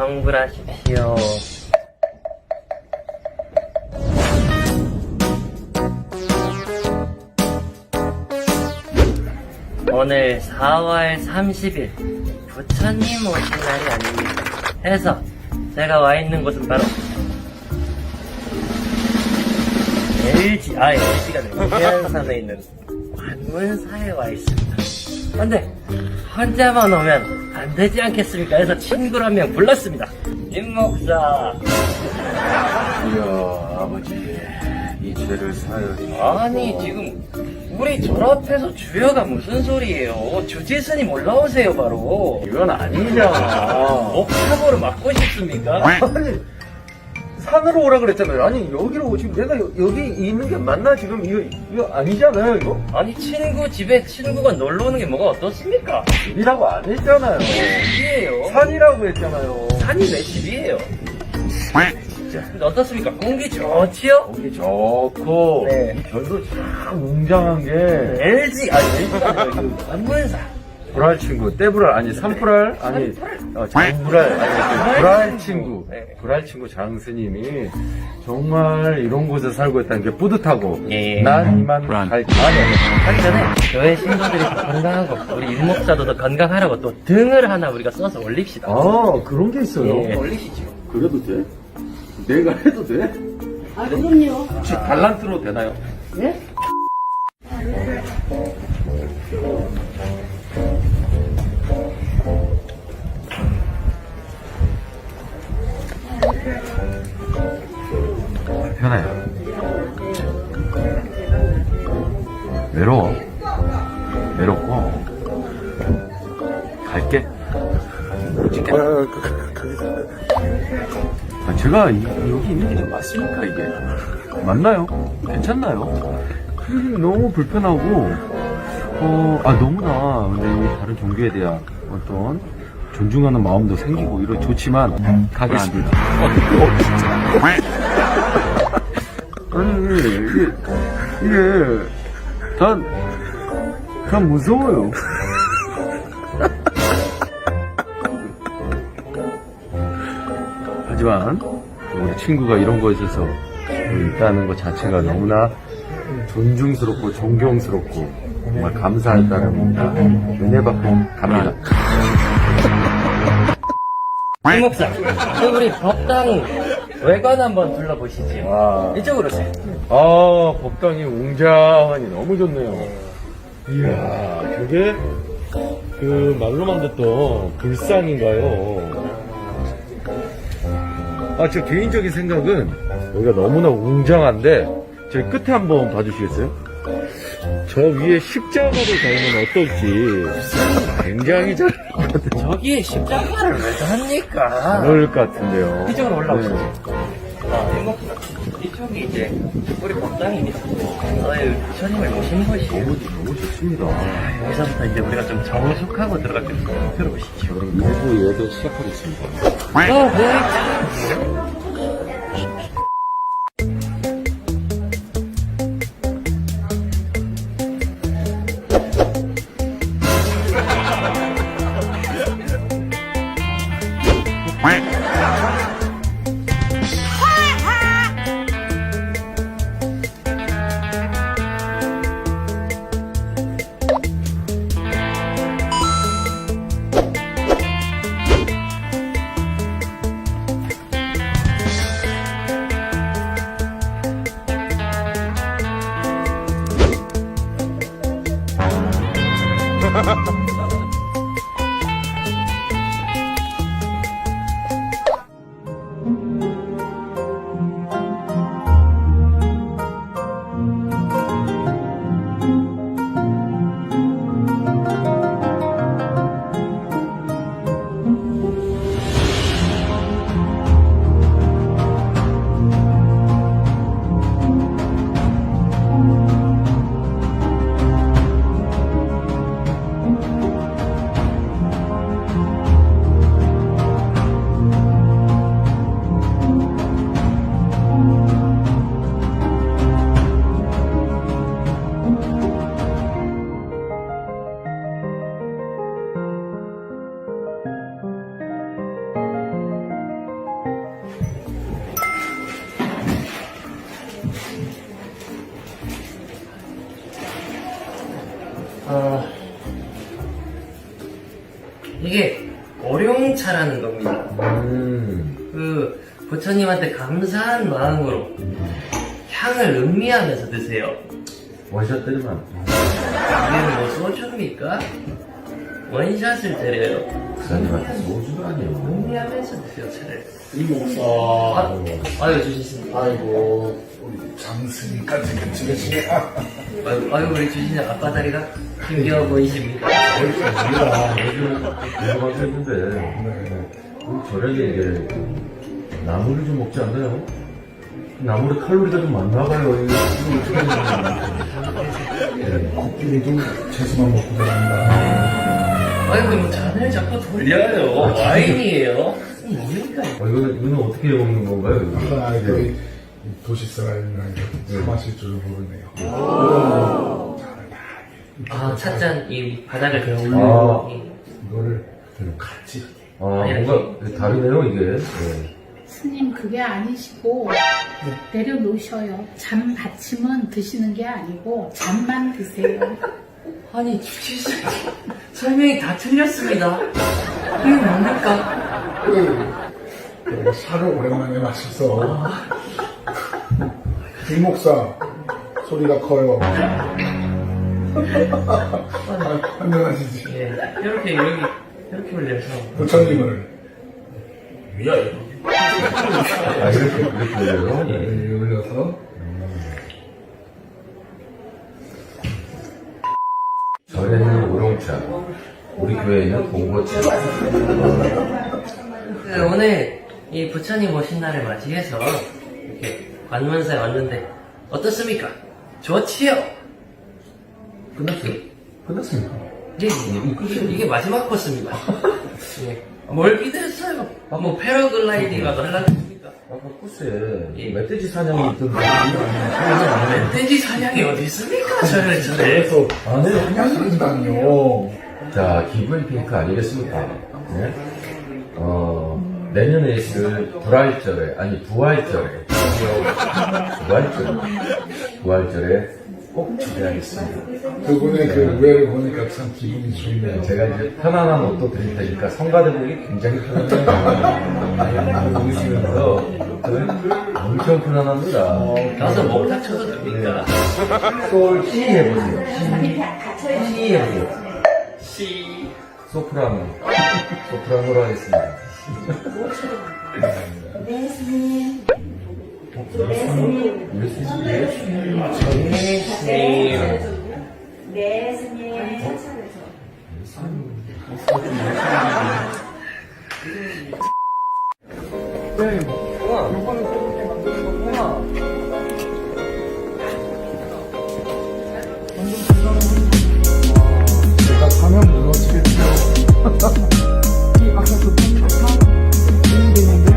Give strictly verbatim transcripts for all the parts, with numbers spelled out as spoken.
환불하십시오. 오늘 사월 삼십일 부처님 오신 날이 아닙니까? 해서 제가 와 있는 곳은 바로 엘지, 아 엘지가 아니라 해안산에 있는 관문사에 와 있습니다. 근데 혼자만 오면 안 되지 않겠습니까? 해서 친구를 한 명 불렀습니다. 임 목사. 이야, 아버지, 이 죄를 사하여주시고. 아니 지금 우리 졸업해서 주여가 무슨 소리예요? 주지스님 올라오세요 바로. 이건 아니잖아. 옥탑으로 맞고 싶습니까? 아니, 산으로 오라 그랬잖아요. 아니, 여기로 오시면 내가 여, 여기 있는 게 맞나? 지금 이거, 이거 아니잖아요, 이거? 아니 친구 집에 친구가 놀러 오는 게 뭐가 어떻습니까? 집이라고 안 했잖아요. 집이에요. 산이라고 했잖아요. 산이 내 집이에요. 진짜. 근데 어떻습니까? 공기 좋지요? 공기 좋고, 네. 이 별도 참 웅장한 게, 엘지 아니 엘지가 아니라 그 관문사. 불알 친구, 떼불알, 아니, 산불알, 아니, 어, 장불알, 아니, 그 불알 친구, 네. 불알 친구 장스님이 정말 이런 곳에 살고 있다는 게 뿌듯하고, 예. 난 이만 갈게. 아니 하기 전에 교회 신도들이 더 건강하고 우리 일목사도 더 건강하라고 또 등을 하나 우리가 써서 올립시다. 아, 그런 게 있어요? 예, 올리시죠. 그래도 돼? 내가 해도 돼? 아, 그럼요. 혹시 달란트로 되나요? 네? 편해요. 외로워. 외롭고, 갈게. 찍게. 아, 제가 이- 여기 있는 게 맞습니까, 이게? 맞나요? 괜찮나요? 음, 너무 불편하고, 어, 아, 너무나, 근데 이 다른 종교에 대한 어떤 존중하는 마음도 생기고, 이런 좋지만, 가겠습니다. 아니, 이게, 이게, 난, 난 무서워요. 하지만 우리 친구가 이런 거에 있어서 있다는 것 자체가 너무나 존중스럽고 존경스럽고 정말 감사할 따름입니다. 은혜 받고 갑니다. 임 목사, 그 우리 법당 외관 한번 둘러보시지요. 와. 이쪽으로 오세요. 아, 법당이 웅장하니 너무 좋네요. 이야, 저게 그 말로만 듣던 불상인가요? 아, 저 개인적인 생각은 여기가 너무나 웅장한데 저기 끝에 한번 봐주시겠어요? 저 위에 십자가를 달면 어떨지 굉장히 잘 저기에 십자가를 왜 합니까? 그럴 것 같은데요. 이쪽으로 올라오시죠. 네. 아, 임 목사, 이쪽이 이제 우리 법당입니다. 저희 부처님을 모신 곳이에요. 너무, 너무 좋습니다. 여기서부터 이제 우리가 좀 정숙하고 들어갈 텐데 들어보시죠. 그럼 일부 예배 시작하겠습니다. 어, 네. 어, 이게 오룡차라는 겁니다. 음. 그 부처님한테 감사한 마음으로 향을 음미하면서 드세요. 원샷 때리면 이게 뭐 소주입니까? 원샷을 때려요. 부사님한테 소주가 아니에요. 음미하면서 드세요, 차를. 이 목사. 아, 아유, 주시신. 아이고, 우리 장스님까지 같이 계시네. 아유, 아유, 우리 주시는 아빠 다리가 힘겨워 보이십니다. 우리가 요즘 공부가 했는데 저녁에 이게 나물을 좀 먹지 않나요? 나물에 칼로리가 좀 많나 봐요. 이거 어떻게 하는 코끼리 좀 채소만 먹고 들어간다. 아이고, 뭐 잔을 자꾸 돌려요. 와인이에요. 뭡니까? 아, 이거, 이거는 어떻게 먹는 건가요? 이거? 아, 이거 이 도시 사람이랑 마실 줄 모르네요. 아, 찻잔 이 바닥을 그냥 아. 올리고. 이- 이거를 그대로 같이. 아, 뭔가 다르네요, 이게. 네. 스님 그게 아니시고 내려놓으셔요. 잠 받침은 드시는 게 아니고 잠만 드세요. 아니, 주치씨 설명이 다 틀렸습니다. 이게 뭡니까? 그 차를 오랜만에 마셔서 이 목사 소리가 커요. 아, 한명하시지. 예, 이렇게 여기 이렇게 올려서 부처님을 위하여. 아, 이렇게, 이렇게 해요? 예. 여기 올려서 절에는 우롱차, 우리 교회에는 봉고차. 그 오늘 이 부처님 오신 날을 맞이해서 이렇게 관문사에 왔는데 어떻습니까? 좋지요? 끝났어요? 끝났습니까? 예, 이게, 이게 마지막 코스입니다. 예. 뭘 기대했어요? 뭐 패러글라이딩이라도 하려고 했습니까? 아까 코스에 예. 멧돼지 사냥이 있던데. 멧돼지 사냥이 어디 있습니까? 저를 저를. 그래서 안 해요. 한양한다뇨. 자, 기브앤테이크 아니겠습니까? 네? 어, 내년에 있을 불활절에, 아니, 부활절에, 부활절에, 부활절에 꼭 초대하겠습니다. 그분의 그 우애를 보니까 참 기분이 좋네요. 제가 이제 편안한 옷도 드릴 테니까 성가대복이 굉장히 편안해요. 보시면서 저는 엄청 편안합니다. 가서 목 다쳐도 됩니까? 솔 C 해보세요. C, C 해보세요. 씨. 소프라노. 소프라노로 하겠습니다. 네, 스님. 네, 스님. 이럴 수 있어요? 네. 네, 스님. 제가 사면 무너지겠죠. 이 아까 그 탕탕 되는데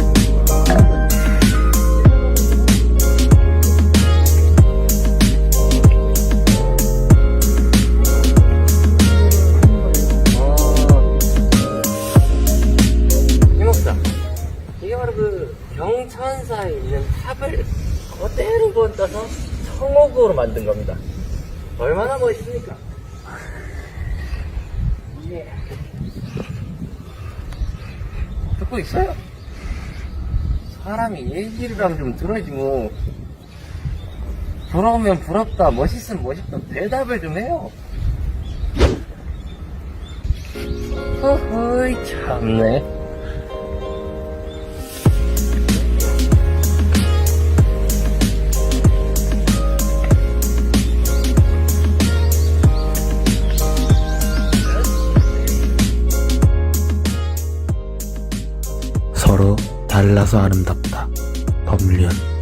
이 목사, 이게 바로 그 경천사에 있는 탑을 그대로 본떠서 청옥으로 만든 겁니다. 얼마나 멋있습니까? 예. 듣고 있어요? 사람이 얘기랑 좀 들어야지 뭐. 부러우면 부럽다, 멋있으면 멋있다, 대답을 좀 해요. 허허이 참네. 서로 달라서 아름답다. 법륜